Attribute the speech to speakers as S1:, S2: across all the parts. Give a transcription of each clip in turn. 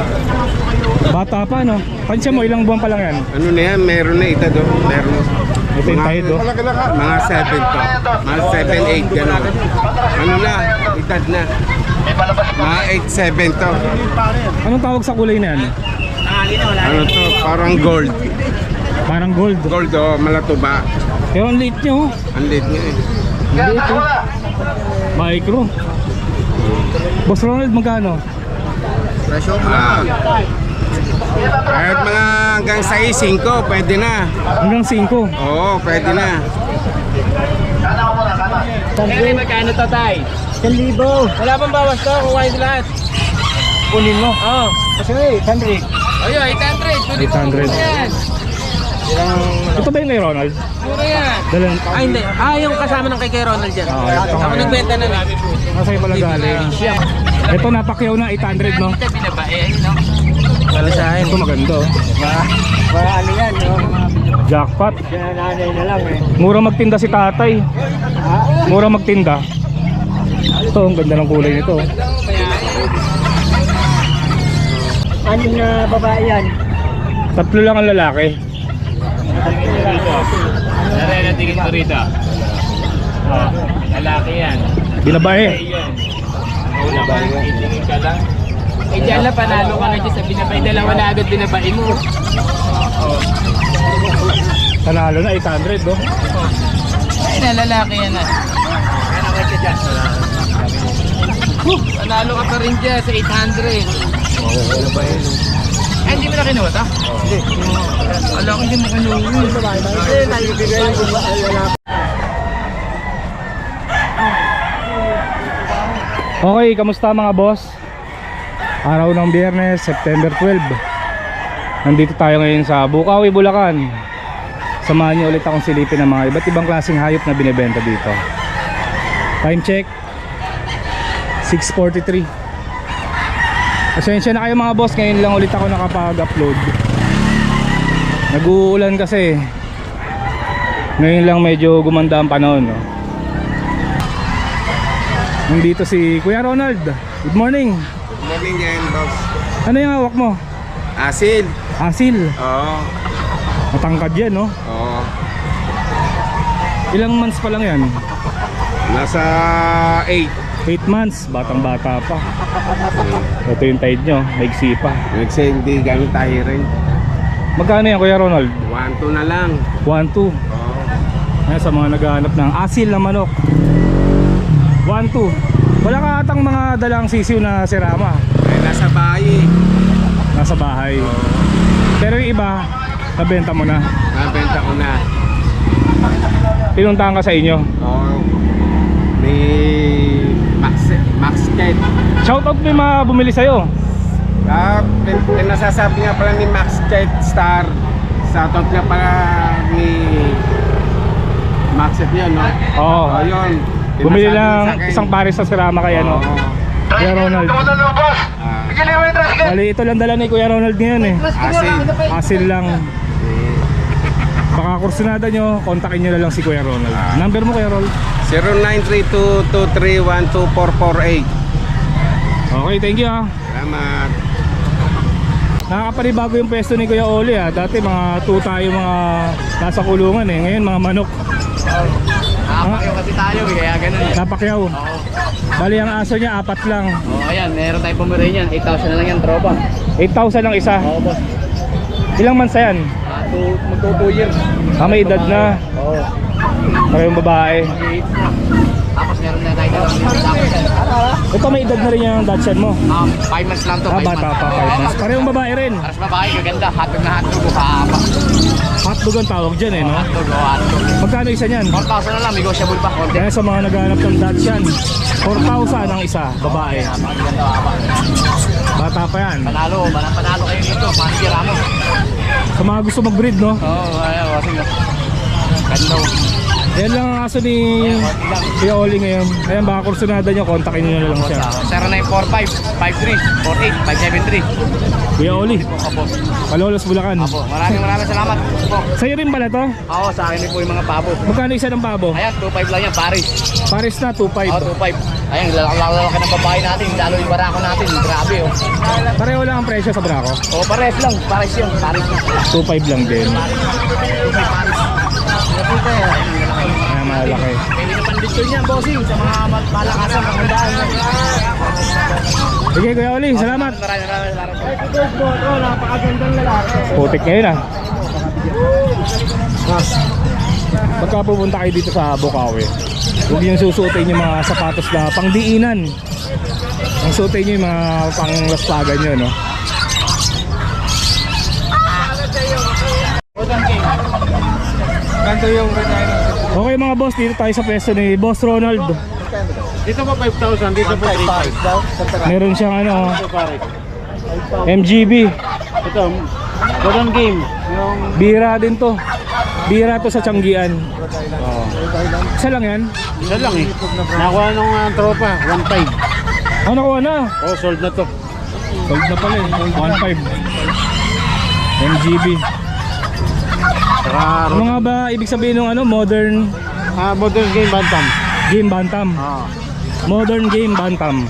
S1: Bata pa, no? Pansya mo, ilang buwan pa lang yan?
S2: Ano na yan, meron na ita do. Meron.
S1: Ito yung tayo, do.
S2: Mga 7 to. Mga 7, 8 gano'n. Ano na, itad na. Mga 8, 7 to.
S1: Anong tawag sa kulay na yan?
S2: Ano to, parang gold.
S1: Parang gold.
S2: Gold o, malatuba.
S1: Pero ang liit nyo,
S2: Ang liit nga eh.
S1: ang liit, oh. Micro. Boss Ronald, magkano?
S2: Kahit mga hanggang 6, 5, pwede na.
S1: Hanggang 5.
S2: Oo, pwede na.
S3: Kaya magkano to, tay?
S1: 1,000.
S3: Wala pang bawas to, kukuhain sila lahat.
S1: Kunin mo.
S3: Oo.
S1: Kasi 800.
S3: Ayun, 800. Pwede po
S1: 800.
S3: yan.
S1: Ito ba yung kay Ronald?
S3: Mura yan.
S1: Dalan.
S3: Ah, hindi. Ah, yung kasama ng kay Ronald dyan.
S1: ito nga
S3: Ako
S1: yan.
S3: nagbenta na lang.
S1: Masaya pala galing. Ito napakyaw na 800, no?
S3: Ito binabae, ayun, no? Palasahin.
S1: Ito maganda, oh.
S4: Para ano yan, no?
S1: Jackpot.
S4: Nanay na lang eh.
S1: Mura magtinda si tatay. Mura magtinda. Ito, ang ganda ng kulay nito.
S4: Ano na babae yan?
S1: Tatlo lang ang lalaki.
S3: Nare, tingin ko rito. Lalaki yan.
S1: Binabae.
S3: Yan. Una ba, itingin ka lang. Eh, dyan lang, panalo ka na dyan sa binabay. Dalawa na agad binabay mo.
S1: Panalo na 800, no?
S3: Ay, na lalaki yan na. Ano ka dyan? Panalo ka pa rin dyan sa 800. Ay, hindi mo na kinuha ta? Hindi. Alam ko hindi mo kinuha.
S4: Hindi, naibigay ko ba wala.
S1: Okay, kamusta mga boss? Araw ng Biyernes, September 12. Nandito tayo ngayon sa Bukawi, Bulacan. Samahan niyo ulit akong silipin ng mga iba't ibang klaseng hayop na binibenta dito. Time check 6:43. Pasensya na kayo mga boss, ngayon lang ulit ako nakapag-upload. Nag-uulan kasi. Ngayon lang medyo gumanda ang panahon, no? Nandito si Kuya Ronald. Good morning.
S2: Good morning yan, boss.
S1: Ano yung hawak mo?
S2: Asil.
S1: Asil.
S2: Oo.
S1: Matangkad yan, no?
S2: Oo.
S1: Ilang months pa lang yan?
S2: Nasa 8.
S1: 8 months, batang bata pa. Ito yung tide nyo, maigsi pa.
S2: Nagsa hindi gamit tayo rin.
S1: Magkano yan Kuya Ronald?
S2: 1-2 na lang.
S1: 1-2.
S2: Oo.
S1: Ayan, sa mga naghahanap ng asil na manok, 1-2. Wala ka atang mga dalang sisiw na sirama.
S2: Ay, nasa bahay.
S1: Nasa bahay.
S2: Oo.
S1: Pero yung iba, nabenta mo na.
S2: Nabenta ko na.
S1: Pinuntahan ka sa inyo.
S2: Oo. May Max Kate.
S1: Shoutout mo yung mga bumili sa'yo.
S2: Pinasasabi nga pala ni Max Kate Star. Shoutout nga pala ni Max Kate yun, no?
S1: Oo.
S2: Oh, yun.
S1: Bumili
S2: Pinasabi
S1: lang
S2: sa akin.
S1: isang pares sa sirama kay ano,
S2: Oo.
S1: Kuya Ronald.
S2: Ah,
S1: Bali, ito lang dala ni Kuya Ronald ngayon eh.
S2: Asil.
S1: Asil lang. Baka kursunada nyo, kontakin nyo na lang si Kuya Ronald. Number mo Kuya Ronald?
S2: 0932-231-2448.
S1: Okay, thank you ah.
S2: Salamat.
S1: Nakakapanibago yung pwesto ni Kuya Oli ah. Dati mga 2 tayo mga nasa kulungan eh. Ngayon mga manok.
S3: Nakapakyaw kasi tayo, kaya ganun eh.
S1: Napakyaw. Bali ang aso niya 4 lang.
S3: Oo, ayan, meron tayong pumirahin yan. 8,000 na lang yan, tropa.
S1: 8,000 lang isa.
S3: Oo, boss.
S1: Ilang months na yan?
S3: Magto 2 years.
S1: May edad na.
S3: Oo.
S1: Parehong babae.
S3: Tapos meron na tayo dalang
S1: Ito may edad na rin yung Dachshund mo.
S3: 5 months lang to, 5
S1: Bata
S3: months.
S1: pa 5 months. Parehong babae rin.
S3: Aras babae, gaganda. Hotdog na hotdog. Hapa.
S1: Hotdog ang tawag dyan eh, no?
S3: Hotdog, hotdog.
S1: Magkano isa niyan?
S3: 4,000 na lang, negotiable pa. Konti.
S1: Kaya sa mga naghahanap ng Dachshund, 4,000 ang isa, babae.
S3: Napakaganda, hapa.
S1: Bata pa yan.
S3: Panalo kayo dito. Manira mo.
S1: Sa mga gusto mag-breed, no?
S3: Oo, ayaw. Kasi ganda.
S1: Yan lang ang aso ni Kuya Oli ngayon. Ayan, baka kursunada nyo, kontakin nyo na lang siya.
S3: 0945-53-48573.
S1: Kuya Oli,
S3: Opo.
S1: Malolos, Bulacan.
S3: Opo. Maraming salamat. Opo.
S1: Sa'yo rin pala to?
S3: Ako, sa akin din po yung mga pabo.
S1: Magkano isa ng pabo?
S3: Ayan, 2.5 lang yan, Paris.
S1: Pares na, 2.5.
S3: Oo, 2.5. Ayan, lalaki ng babae natin, lalo yung barako natin. Grabe, oh.
S1: Pareho lang ang presyo sa Braco.
S3: Oh, pares lang. Pares yun. Pares na.
S1: 2.5 lang din. Ayan, malaki.
S3: Pwede na pandito niya, bossing, sa mga malakasan, pangandaan.
S1: Sige, Kuya Oli, salamat.
S3: Maraming.
S4: Napakagandang lalaki.
S1: Putik ngayon ah. Pagka pupunta kayo dito sa Bukawi, huwag yung susuotin yung mga sapatos na pangdiinan. Ang suotin nyo yung mga panglaspagan nyo, no?
S2: Ganto yung
S1: Okay mga boss, dito tayo sa pwesto ni Boss Ronald.
S2: dito pa 5,000, dito pa 3,500.
S1: Meron siyang ano,
S2: Pare.
S1: MGB.
S2: Ito, Golden Game. Yung
S1: Bira din to. Bira to sa Tianggian. Isa lang yan?
S2: isa lang eh. Nakuha nung tropa, 1,500.
S1: Ano nakuha na?
S2: Oh, sold na to.
S1: Sold na pala eh. 1.5. MGB.
S2: Saka,
S1: Ano nga ba ibig sabihin ng ano? Modern
S2: Modern Game Bantam.
S1: Game Bantam.
S2: Ah.
S1: Modern Game Bantam.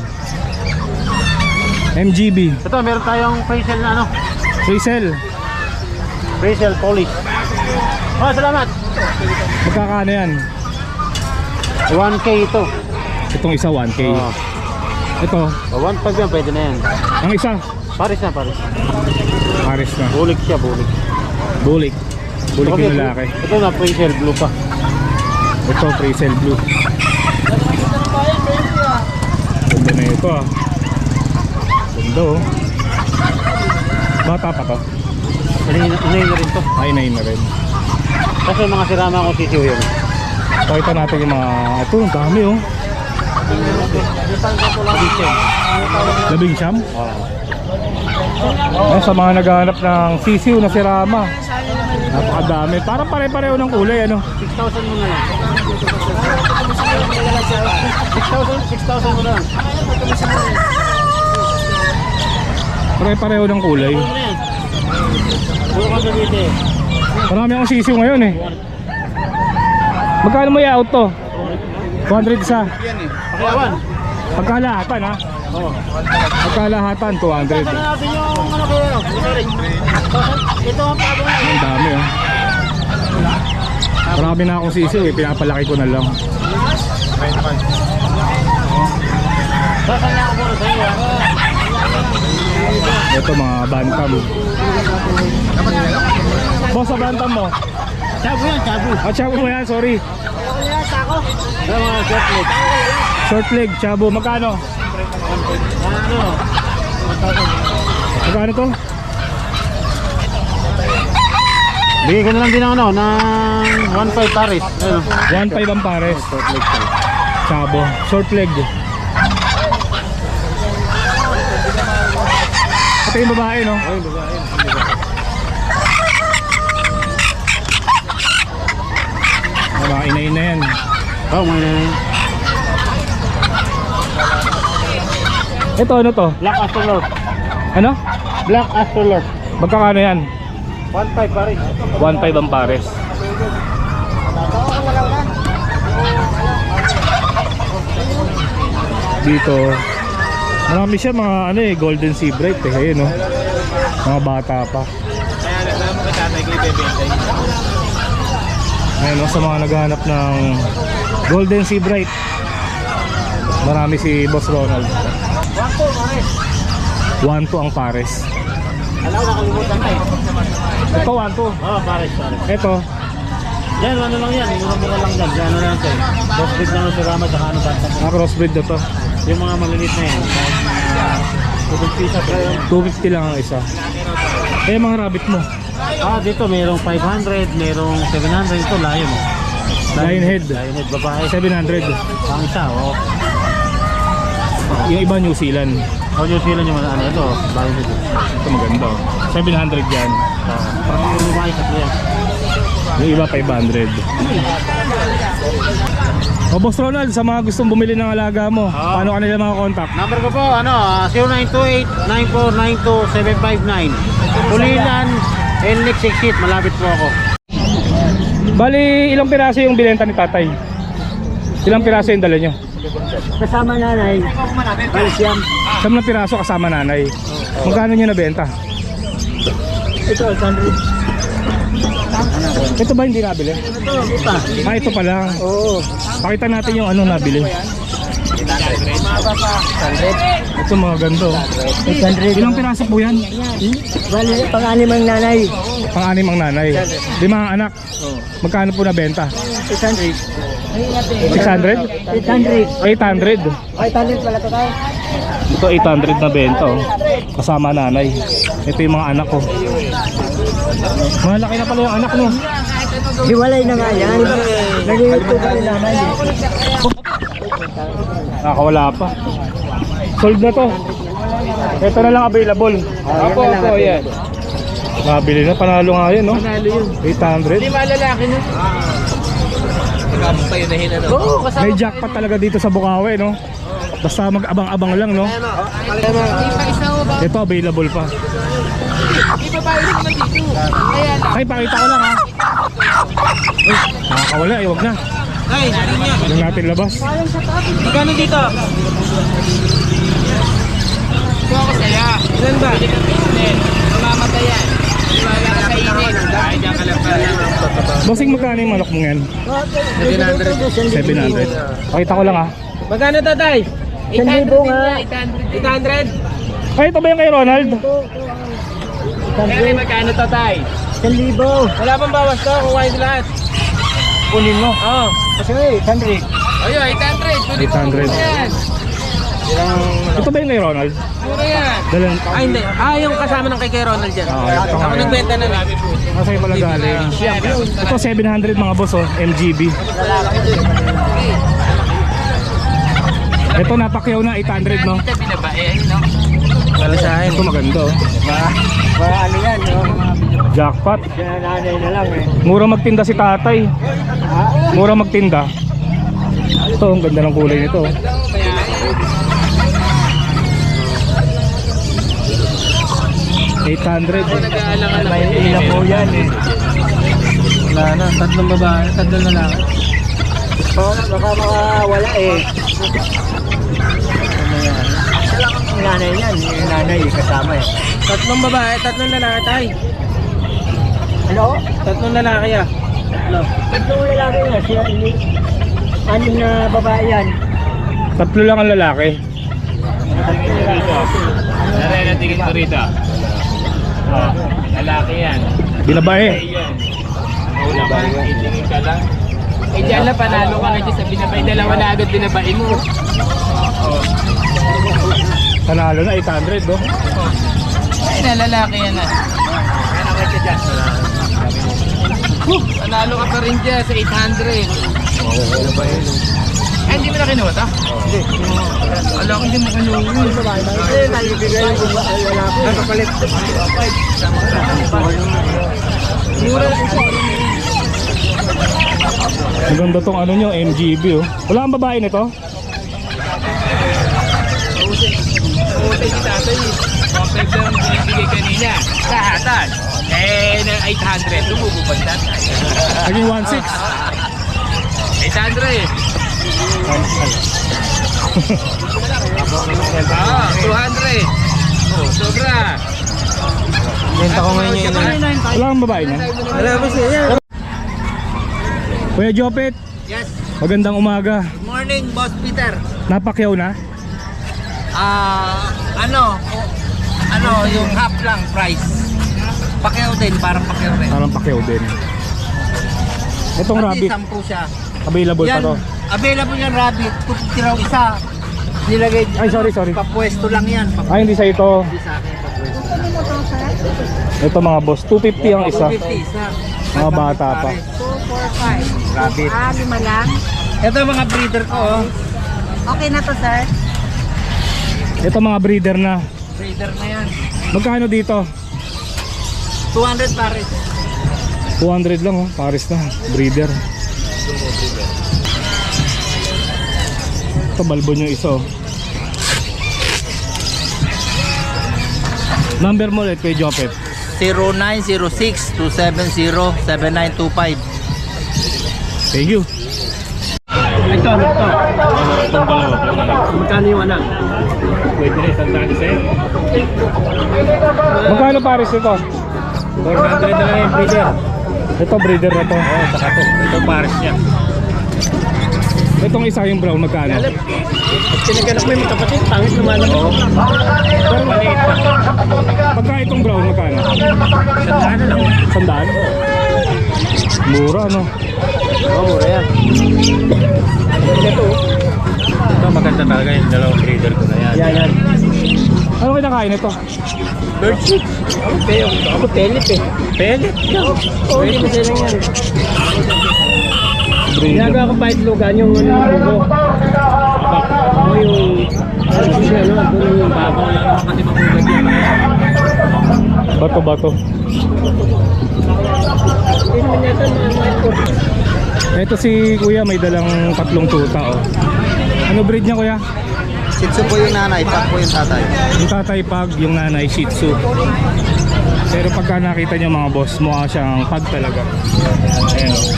S1: MGB.
S2: Ito, meron tayong facial na ano.
S1: Rizal.
S2: Facial polish. Oh, salamat.
S1: Magkakano yan?
S2: 1K ito.
S1: Itong isa 1K.
S2: Oh.
S1: Ito,
S2: 1,500 yan, pwede na yan.
S1: ang isa
S2: Paris na, Paris.
S1: Paris na.
S2: Bulik siya, bulik.
S1: Bulik. Bulik yung lalaki.
S2: Ito na, facial blue pa.
S1: Ito, Rizal Blue. Ganda na ito ah. Ganda oh. Bata pa to.
S2: Inayin na rin to.
S1: Ay, nain na rin.
S2: Kasi mga sirama akong sisiw yun.
S1: Pakita natin yung mga... Ito, ang dami oh. Labing siyam? Ayan, sa mga naghahanap ng sisiw na sirama. Napakadami. Parang pare-pareho ng kulay ano.
S2: 6,000 mo na lang. 6,000 mo na lang.
S1: Pare-pareho ng kulay.
S2: Ano yan? Puro ka sa dito eh.
S1: Marami akong sisiw ngayon eh. Magkano mo i-out to? 200 isa.
S2: Pakiawan.
S1: Pagkalahatan ha?
S2: Oo.
S1: Pagkalahatan 200.
S2: Saan na natin yung ano kayo? Ito ang pabo na.
S1: Ang dami oh. Marami na akong sisiw eh. Pinapalaki ko na lang.
S2: Saan na ako muna sa iyo?
S1: Ito mga bantam. Boss, sa bantam mo?
S2: Chabo yan, chabo.
S1: Ah, chabo mo yan, sorry.
S2: Sa mga short leg.
S1: Short leg, chabo. Magkano?
S2: Ano?
S1: Magkano to?
S2: Bigay ko na lang din ng ano, ng 1,500 Paris. Ano?
S1: 1.5 ang pares.
S2: Short leg siya.
S1: Chabo. Short leg. Ito yung babae, no?
S2: Ay, babae.
S1: Mga inain na yan.
S2: Oh, may nanay.
S1: Ito, ano to?
S2: Black Astrolord.
S1: Ano?
S2: Black Astrolord.
S1: Magkakano yan?
S2: 1,500 Paris.
S1: 1.5 ang pares. Dito, marami siya mga ano eh, golden sea bright eh. Ayun, no? Mga bata pa.
S3: Kaya alam mo kay tatay ko ibebenta yun.
S1: Ayun, no? Sa mga naghahanap ng golden sea bright, marami si Boss Ronald. 1.2 ang pares.
S2: Alam ko, nakalimutan na eh.
S1: Ito 1.2.
S2: Oh, Paris, Paris.
S1: Ito,
S2: Yan, ano lang yan. Mura-mura lang dyan. Yan, ano lang ito eh. Crossbreed lang ng sirama, tsaka ano bata.
S1: crossbreed na to.
S2: Yung mga maliliit na yan. Kahit pisa pa yun.
S1: 250 lang ang isa. Eh, mga rabbit mo.
S2: Ah, dito mayroong 500, mayroong 700. Ito, lion.
S1: Lionhead.
S2: Lionhead, babae.
S1: 700.
S2: Ang isa, oh.
S1: Yung iba New Zealand.
S2: Oh, New Zealand yung ano, ito, lionhead.
S1: Ito maganda. 700 yan.
S2: Parang yung lumaki sa yan.
S1: Yung iba 500. O Boss Ronald, sa mga gustong bumili ng alaga mo, paano kanila mga contact?
S4: Number ko po, 0928-9492-759. Pulilan, NLEX Exit, malapit po ako.
S1: Bali, ilang piraso yung binenta ni tatay? Ilang piraso yung dala nyo?
S4: Kasama nanay, Palsyam.
S1: 10 na piraso kasama nanay. Magkano nyo nabenta?
S4: Ito, 100.
S1: Ito ba hindi nabili?
S4: Ito, ito.
S1: Ah, ito pa lang.
S4: Oo.
S1: Pakita natin yung ano nabili. Ito mga ganda.
S4: 800.
S1: Ilang piraso po yan?
S4: Bali, pang-anim ang nanay.
S1: Pang-anim ang nanay. 5 anak. Magkano po nabenta?
S4: 800.
S1: 600?
S4: 800.
S1: 800.
S4: 800 pala ito tayo.
S1: Ito 800 na benta oh. Kasama nanay. Ito yung mga anak ko. Malaki na pala yung anak no.
S4: Hiwalay na nga yan. Nag-iito ka rin nanay.
S1: Nakawala pa. Sold na to. Ito na lang available.
S3: Opo, yan.
S1: Nabili na. Panalo nga yun no.
S3: Panalo yun.
S1: 800.
S3: Hindi malalaki na. Magkabot tayo na hinano. Oo, kasama.
S1: May jackpot talaga dito sa Bukawi no. Basta mag-abang-abang lang no. Ito available pa.
S3: Ibabayad naman dito. Kaya lang.
S1: Ay, pakita ko lang ha. Ay, nakakawala. Ay, wag na.
S3: Ay, hindi niya.
S1: Huwag natin labas.
S3: Magkano dito? Ito ako saya. Ilan ba? Mamamatay yan. Wala ka sa init. Ay, diyan ka lang pala.
S1: Bossing, magkano yung manok mo yan? 700. Pakita ko lang ha.
S3: Magkano tatay?
S4: 1,000 nga.
S3: 800?
S1: Ay, ito ba yung kay Ronald?
S3: Kaya magkano tatay?
S4: 1,000.
S3: Wala pang bawas to, kukuhain sila lahat.
S1: Kunin mo.
S3: Oo.
S4: Kasi 800.
S3: Ayun, 800. Pwede po
S1: 800.
S3: yan.
S1: Ito ba yung kay Ronald?
S3: Mura yan.
S1: Dalan.
S3: Ay, hindi. Ah, yung kasama ng kay Ronald dyan.
S1: Ah, ito nga
S3: Ako
S1: yan.
S3: nagbenta na lang.
S1: Masaya pala galing. Ito 700 mga boss oh. MGB. Ito napakyaw na 800 no.
S3: Ito binabae, ayun no?
S1: Ito maganda oh.
S4: Para ano yan, no?
S1: Jackpot.
S4: Yan nanay na lang eh.
S1: Mura magtinda si tatay. Mura magtinda. Ito ang ganda ng kulay nito. oh. $800.
S3: Nag-aalangan
S4: May ilang po yan eh.
S3: Wala na, tatlong babae, tatlong lalaki.
S4: Baka makawala eh. Yung nanay yan, yung nanay kasama eh.
S3: Tatlong babae, tatlong lalaki tay.
S4: Ano?
S3: Tatlong lalaki ah. Ano?
S4: Tatlong lalaki na siya. Anim na babae yan.
S1: Tatlo lang ang lalaki.
S3: Naray na tingin ko rito. Lalaki yan.
S1: Binabae.
S3: Yan. Wala ka, itingin ka lang. Eh dyan lang, panalo ka na dyan sa binabay. Dalawa na agad binabay mo.
S1: Panalo na 800 no.
S3: Ay na, lalaki yan ah. Ano ka dyan? Panalo ka pa rin dyan sa 800. Ay, hindi mo na kinuha ta? Hindi. Alam ko hindi mo kinuha.
S4: Eh, nalibigay yung lalaki.
S3: Nakapalit. Mura lang siya.
S1: Maganda tong ano nyo, MGB oh. Wala kang babae nito?
S3: Puti si tatay. Complex lang binibigay kanina. Kahatan. Eh, na 800. Lumububad tatay.
S1: Naging 1.6.
S3: 800. Ah, 200. Oh, sobra.
S4: Benta ko ngayon yun.
S1: Wala kang babae na?
S4: Wala ba siya?
S1: Kuya Jopet,
S3: Yes.
S1: magandang umaga.
S3: Good morning, Boss Peter.
S1: Napakyaw na?
S3: Ano yung half lang price. Pakyaw din, parang pakyaw rin.
S1: Parang pakyaw din. Itong rabbit,
S3: 10 siya.
S1: available pa
S3: Yan,
S1: to.
S3: available yan rabbit. 250 raw isa. Nilagay,
S1: Ay, sorry.
S3: papwesto lang yan.
S1: Ay, hindi sa ito.
S3: Hindi sa akin, papwesto.
S1: Ito mga boss, 250 ang isa.
S3: 250 isa.
S1: Mga bata pa.
S5: 245.
S3: Rabbit.
S5: Ah, 5 lang.
S3: Ito mga breeder ko, oh.
S5: Okay na to, sir.
S1: Ito mga breeder na.
S3: Breeder na yan.
S1: Magkano dito?
S3: 200 pares.
S1: 200 lang oh, Paris na, breeder. Ito balbon yung iso. Number mo ulit kay Jopep.
S6: 0906-270-7925.
S1: Thank you.
S4: Ito. Magkano yung anak?
S3: Pwede na isang daan sa'yo.
S1: Magkano pares ito?
S3: 400 na lang yung breeder.
S1: Ito breeder na to.
S3: Oo, saka to. Ito pares niya.
S1: Itong isa yung brown magkano?
S4: Siniganak mo yung kapatid, pangit naman ako.
S1: Pero maliit pa. Pagka itong brown magkano?
S3: Isang daan na lang.
S1: Sandaan? Mura no?
S4: Oo, mura yan.
S3: Ito maganda talaga yung dalawang breeder ko na yan.
S4: Yan.
S1: Ano kinakain ito?
S4: Bird shit. Ako pellet eh.
S3: Pellet.
S4: Oo, hindi mo sila yan.
S1: Breeder.
S4: Ginagawa ko bait lugan yung ano yung bugo. Ako yung ano siya, no? Doon yung bako.
S3: Kasi magugat yan.
S1: Bato.
S4: Hindi naman yata mga
S1: Ito si kuya may dalang tatlong tuta oh. Ano breed niya kuya?
S6: Shih Tzu po yung nanay, Pag po yung tatay.
S1: Yung tatay pag, yung nanay Shih Tzu. Pero pagka nakita niyo mga boss, mukha siyang pag talaga. Ayan oh.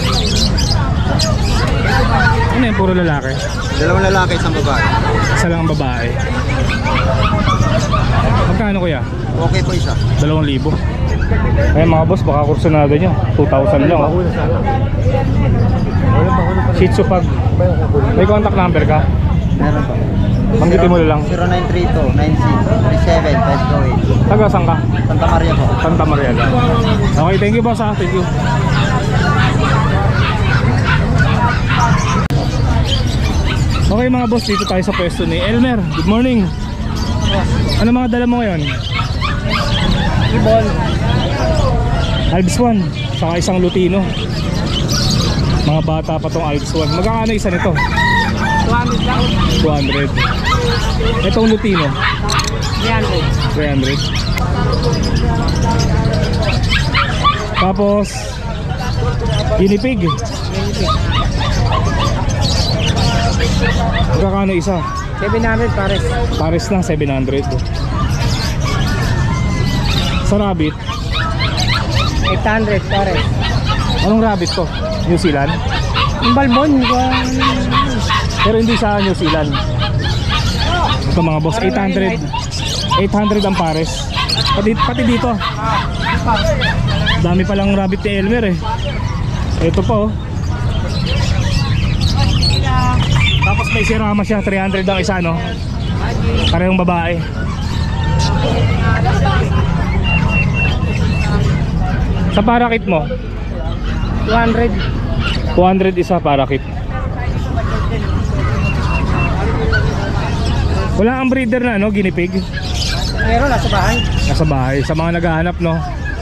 S1: Ano yan, puro lalaki?
S6: Dalawang lalaki, isang babae.
S1: Isa lang ang babae. Magkano kuya?
S6: Okay po isa.
S1: 2,000. Eh mga boss, baka kursunada nyo 2,000 lang oh. Shih Tzu pag. May contact number ka?
S6: Meron po.
S1: Banggitin mo na lang.
S6: 0932-96-37-528.
S1: Taga saan ka?
S6: Santa Maria po.
S1: Santa Maria lang. Okay, thank you boss ha. Thank you. Okay mga boss, dito tayo sa pwesto ni Elmer. Good morning. Ano mga dala mo ngayon?
S4: ibon.
S1: Alps 1, saka isang Lutino. Mga bata pa tong Alps 1. Magkano isa nito?
S4: 200 lang.
S1: 200. Itong Lutino?
S4: 300.
S1: 300. Tapos guinea pig. Magkano isa?
S4: 700 pares.
S1: Pares lang 700. Sa rabbit,
S4: 800 pares.
S1: anong rabbit to? New Zealand?
S4: Yung balbon,
S1: Pero hindi sa New Zealand. Ito mga boss, 800. 800 ang pares. Pati dito. Dami palang rabbit ni Elmer eh. Ito pa oh. Tapos may sirama siya, 300 ang isa no. Parehong babae. Sa parakit mo?
S4: 200.
S1: 200 isa parakit. Wala ang breeder na no, guinea pig.
S4: Meron, nasa bahay.
S1: Nasa bahay, sa mga naghahanap no.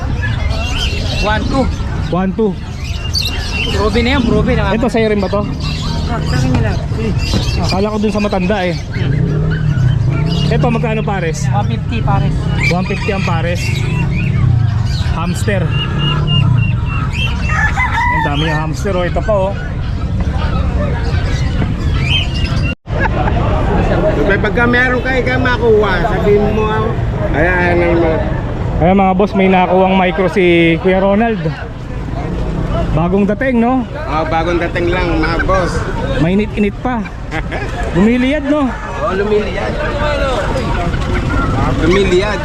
S4: 1-2.
S1: 1-2.
S4: Probe na yan, probe na.
S1: Ito sa'yo rin ba to?
S4: Sa akin nila.
S1: Akala ko dun sa matanda eh. Ito magkano pares?
S4: 150 pares.
S1: 150 ang pares. Hamster. Ang dami yung hamster oh. Ito pa oh.
S2: May pagka meron kayo makuha, sabihin mo ako. Ayan naman.
S1: Ayan mga boss, may nakuwang micro si Kuya Ronald. Bagong dating no?
S2: Oh, bagong dating lang mga boss.
S1: Mainit-init pa. Lumiliyad no?
S2: Oh, lumiliyad. Lumiliyad.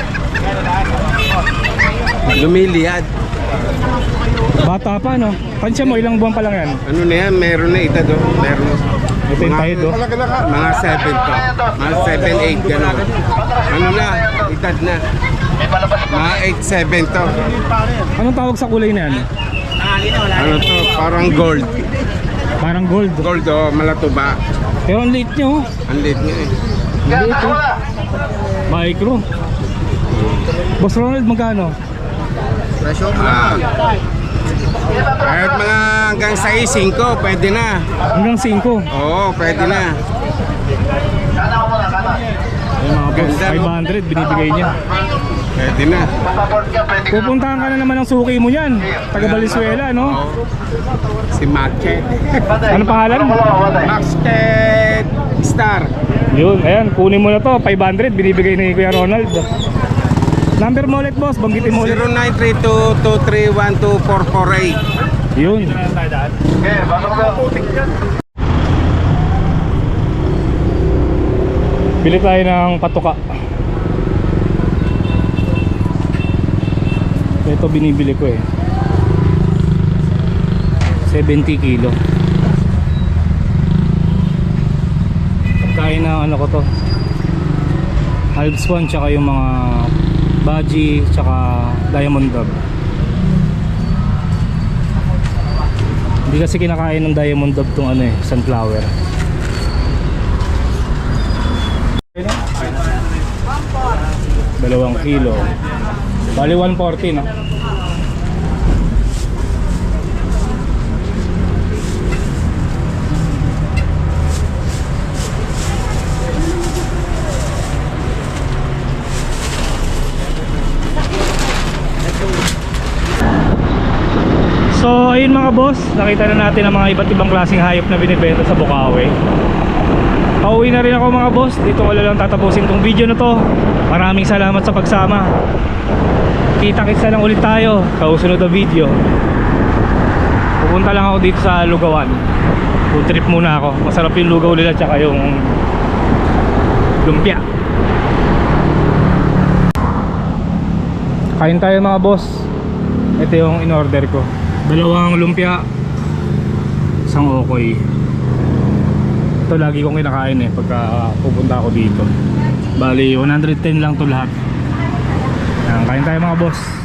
S2: Lumiliyad.
S1: Bata pa no? Pansya mo, ilang buwan pa lang yan?
S2: Ano na yan? Meron na ita do. Meron.
S1: Ito yung tayo do.
S2: Mga 7 to. Mga 7, 8 gano'n. Ano na? Itad na. Mga 8, 7 to.
S1: Anong tawag sa kulay na yan?
S2: Ano to? Parang gold.
S1: Parang gold.
S2: Gold oh, malatuba.
S1: Pero ang liit nyo.
S2: Ang liit nga eh.
S1: Ang liit oh. Micro. Boss Ronald, magkano?
S6: Presyo mo
S2: Ah. Kahit mga hanggang 6, 5, pwede na.
S1: Hanggang 5.
S2: Oo, pwede na.
S1: Ay mga boss,
S2: Ganda, no?
S1: 500 binibigay niya.
S2: Pwede na.
S1: Pupuntahan ka na naman ng suki mo yan. Taga Valenzuela no?
S2: Oo. Si Market.
S1: Ano pangalan?
S2: Market. Star.
S1: Yun, ayan, kunin mo na to. 500, binibigay ni Kuya Ronald. Number mo ulit, boss. Banggitin mo ulit.
S2: 0932-231-2448.
S1: Yun. Bili tayo ng patuka. Ito binibili ko eh. 70 kilo. Pagkain na ano ko to. Halb swan tsaka yung mga baji tsaka diamond dog. Hindi kasi kinakain ng diamond dog tong ano eh, sunflower. 2 kilo. Bali 140 no? So ayun mga boss, nakita na natin ang mga iba't ibang klaseng hayop na binibenta sa Bukawi. Pauwi na rin ako mga boss. Dito ko lang tatapusin tong video na to. Maraming salamat sa pagsama. Kita-kits na lang ulit tayo sa susunod na video. Pupunta lang ako dito sa Lugawan. Food trip muna ako. Masarap yung lugaw nila tsaka yung lumpia. Kain tayo mga boss. Ito yung in-order ko. 2 lumpia, 1 okoy. Ito lagi kong kinakain eh pagka pupunta ako dito. Bali 110 lang to lahat. Kain tayo mga boss.